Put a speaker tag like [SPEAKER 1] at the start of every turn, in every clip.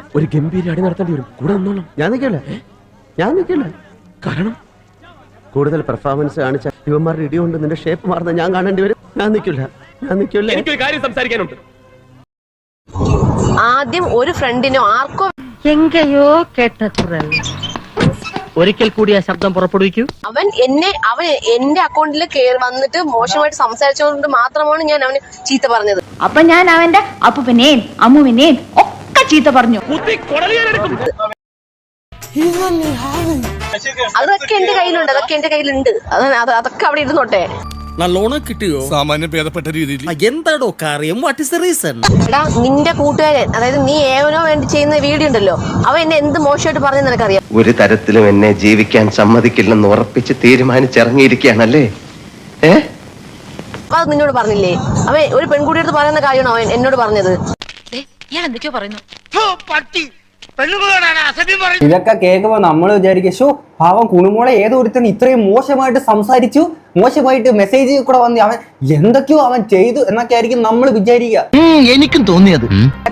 [SPEAKER 1] ഒരു ഗംഭീര അടി നടത്തേണ്ടി വരും. കൂടെ നിന്നോളാം.
[SPEAKER 2] ഞാൻ നിൽക്കില്ല. കാരണം കൂടുതൽ പെർഫോമൻസ് കാണിച്ച ഇവന്മാരുടെ ഇടി കൊണ്ട് നിന്റെ ഷേപ്പ് മാറുന്ന ഞാൻ കാണേണ്ടി വരും. ഞാൻ നിൽക്കില്ല.
[SPEAKER 1] എനിക്കൊരു കാര്യം സംസാരിക്കാനുണ്ട്.
[SPEAKER 3] ആദ്യം ഒരു ഫ്രണ്ടിനോ ആർക്കോ
[SPEAKER 4] എങ്കയോ കേട്ട ഒരിക്കൽ കൂടി ആ ശബ്ദം പുറപ്പെടുവിക്കൂ.
[SPEAKER 3] അവൻ എന്റെ അക്കൗണ്ടിൽ കയറി വന്നിട്ട് മോശമായിട്ട് സംസാരിച്ചുകൊണ്ട് മാത്രമാണ് ഞാൻ അവന് ചീത്ത പറഞ്ഞത്.
[SPEAKER 4] അപ്പൊ ഞാൻ അവന്റെ അപ്പുവിനെയും അമ്മുവിനെയും ഒക്കെ ചീത്ത പറഞ്ഞു.
[SPEAKER 3] അതൊക്കെ എന്റെ കയ്യിലുണ്ട്. അതൊക്കെ അവിടെ ഇരുന്നോട്ടെ.
[SPEAKER 5] നല്ലോണം കിട്ടിയോ? സാമാന്യം ഭേദപ്പെട്ട രീതിയിൽ. എന്താടോ കാര്യം? What is the reason?
[SPEAKER 3] എടാ, നിന്റെ കൂട്ടുകാരൻ, അതായത് നീ ഏവനോ വേണ്ടി ചെയ്യുന്ന വീഡിയോ ഉണ്ടല്ലോ, അവൻ എന്നെ എന്ത് മോശമായിട്ട് പറഞ്ഞെന്ന് നിനക്കറിയാം.
[SPEAKER 2] ഒരു തരത്തിലും എന്നെ ജീവിക്കാൻ സമ്മതിക്കില്ലെന്ന് ഉറപ്പിച്ച് തീരുമാനിച്ചിറങ്ങിയിരിക്കുകയാണല്ലേ?
[SPEAKER 3] അപ്പൊ അത് നിന്നോട് പറഞ്ഞില്ലേ? അവൻ ഒരു പെൺകുട്ടിയുടെ പറയുന്ന കാര്യമാണോ അവൻ എന്നോട് പറഞ്ഞത്?
[SPEAKER 4] ഞാൻ എന്തൊക്കെയോ പറയുന്നു.
[SPEAKER 6] ഇതൊക്കെ കേൾക്കുമ്പോ നമ്മൾ വിചാരിക്കും, ഷോ പാവം കുണുമോളെ ഏതോ ഒരുത്തൻ ഇത്രയും മോശമായിട്ട് സംസാരിച്ചു, മോശമായിട്ട് മെസ്സേജ് കൂടെ വന്ന് അവൻ എന്തൊക്കെയോ അവൻ ചെയ്തു എന്നൊക്കെ ആയിരിക്കും നമ്മൾ വിചാരിക്കുക.
[SPEAKER 5] എനിക്കും തോന്നിയത്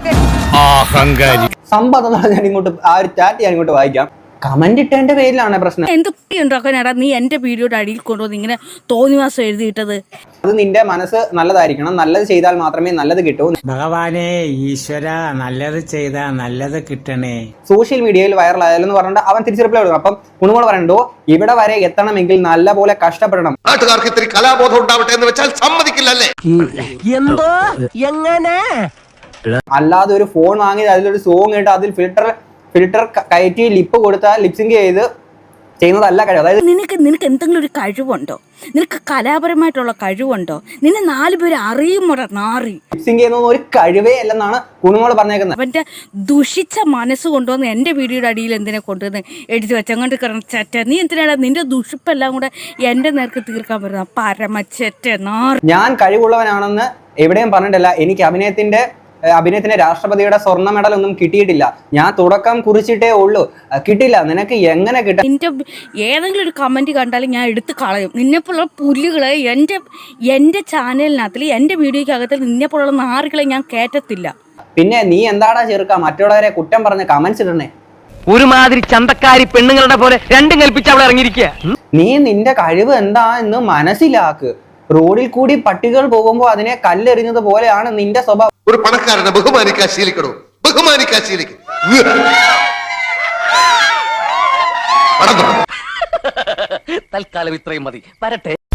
[SPEAKER 6] സംഭവം ഞാൻ ഇങ്ങോട്ട് ആ ഒരു ചാറ്റ് ഞാൻ ഇങ്ങോട്ട് വായിക്കാം. കമന്റ് ഇട്ടതിന്റെ പേരിലാണ് പ്രശ്നം.
[SPEAKER 4] എന്തൊക്കെ ഉണ്ടാക്കാനാടാ നീ എന്റെ വീഡിയോയുടെ അടിയിൽ കൊണ്ടുവന്ന് ഇങ്ങനെ തോന്നിവാസം എഴുതിയിട്ടത്?
[SPEAKER 6] അത് നിന്റെ മനസ്സ് നല്ലതായിരിക്കണം. നല്ലത് ചെയ്താൽ മാത്രമേ നല്ലത് കിട്ടൂ.
[SPEAKER 7] ഭഗവാനെ ഈശ്വര, നല്ലത് ചെയ്താ നല്ലത് കിട്ടണേ.
[SPEAKER 6] സോഷ്യൽ മീഡിയയിൽ വൈറലായാലെന്ന് പറഞ്ഞിട്ട് അവൻ തിരിച്ചു റിപ്ലൈ കൊടുക്കും. അപ്പം കുണുമോൾ പറയണ്ടോ, ഇവിടെ വരെ എത്തണമെങ്കിൽ നല്ല പോലെ കഷ്ടപ്പെടണം.
[SPEAKER 2] നാട്ടുകാർക്ക് ഇത്തിരി കലാബോധം ഉണ്ടാവട്ടെ എന്ന് വെച്ചാൽ സമ്മതിക്കില്ലല്ലേ?
[SPEAKER 5] എന്തോ എങ്ങനെ?
[SPEAKER 6] അല്ലാതെ ഒരു ഫോൺ വാങ്ങി അതിലൊരു സോങ് ഇട്ട് അതിൽ ഫിൽട്ടർ കയറ്റി ലിപ്പ് കൊടുത്താൽ ലിപ്സിങ് ചെയ്ത് ചെയ്യുന്നതല്ല കഴിവ്. അതായത്
[SPEAKER 4] നിനക്ക് എന്തെങ്കിലും ഒരു കഴിവുണ്ടോ? നിനക്ക് കലാപരമായിട്ടുള്ള കഴിവുണ്ടോ? നിന്നെ 4 പേര് അറിയുമോടാ നാറി?
[SPEAKER 6] ലിപ്സിങ് ചെയ്യുന്ന ഒരു കഴിവേ അല്ലെന്നാണ് കുണുമോള് പറഞ്ഞേക്കുന്നത്.
[SPEAKER 4] അവന്റെ ദുഷിച്ച മനസ്സ് കൊണ്ടുവന്ന് എന്റെ വീഡിയോയുടെ അടിയിൽ എന്തിനെ കൊണ്ടുവന്ന് എഴുതി വെച്ചങ്ങോട്ട് ചറ്റ. നീ എന്തിനാണ് നിന്റെ ദുഷിപ്പെല്ലാം കൂടെ എന്റെ നേർക്ക് തീർക്കാൻ പറ്റുന്ന പരമച്ചറ്റ നാറി?
[SPEAKER 6] ഞാൻ കഴിവുള്ളവനാണെന്ന് എവിടെയും പറഞ്ഞിട്ടില്ല. എനിക്ക് അഭിനയത്തിന് രാഷ്ട്രപതിയുടെ സ്വർണ്ണ മെഡൽ ഒന്നും കിട്ടിയിട്ടില്ല. ഞാൻ തുടക്കം കുറിച്ചിട്ടേ ഉള്ളൂ. കിട്ടില്ല. നിനക്ക് എങ്ങനെ കിട്ടും?
[SPEAKER 4] നിന്റെ ഏതെങ്കിലും ഒരു കമന്റ് കണ്ടാലും ഞാൻ എടുത്ത് കളയും. നിന്നെപ്പോലുള്ള പുല്ലുകളെ എന്റെ ചാനലിനകത്തിൽ എന്റെ വീഡിയോക്കകത്തിൽ നിന്നെപ്പോലുള്ള നാറുകളെ ഞാൻ കേറ്റത്തില്ല.
[SPEAKER 6] പിന്നെ നീ എന്താടാ ചെറുക്ക മറ്റുള്ളവരെ കുറ്റം പറഞ്ഞ് കമന്റ്സ് ഇടണേ?
[SPEAKER 5] ഒരുമാതിരി ചന്തക്കാരി പെണ്ണുങ്ങളുടെ പോലെ രണ്ടും കൽപ്പിച്ച് അവൾ ഇറങ്ങിയിരിക്കുക.
[SPEAKER 6] നീ നിന്റെ കഴിവ് എന്താ എന്ന് മനസ്സിലാക്ക്. റോഡിൽ കൂടി പട്ടികൾ പോകുമ്പോ അതിനെ കല്ലെറിഞ്ഞത് പോലെയാണ് നിന്റെ സ്വഭാവം.
[SPEAKER 2] ഒരു പണക്കാരനെ ബഹുമാനിക്കാൻ ശീലിക്കണോ? ബഹുമാനിക്കാൻ ശീലിക്കും.
[SPEAKER 5] തൽക്കാലം ഇത്രയും മതി. വരട്ടെ.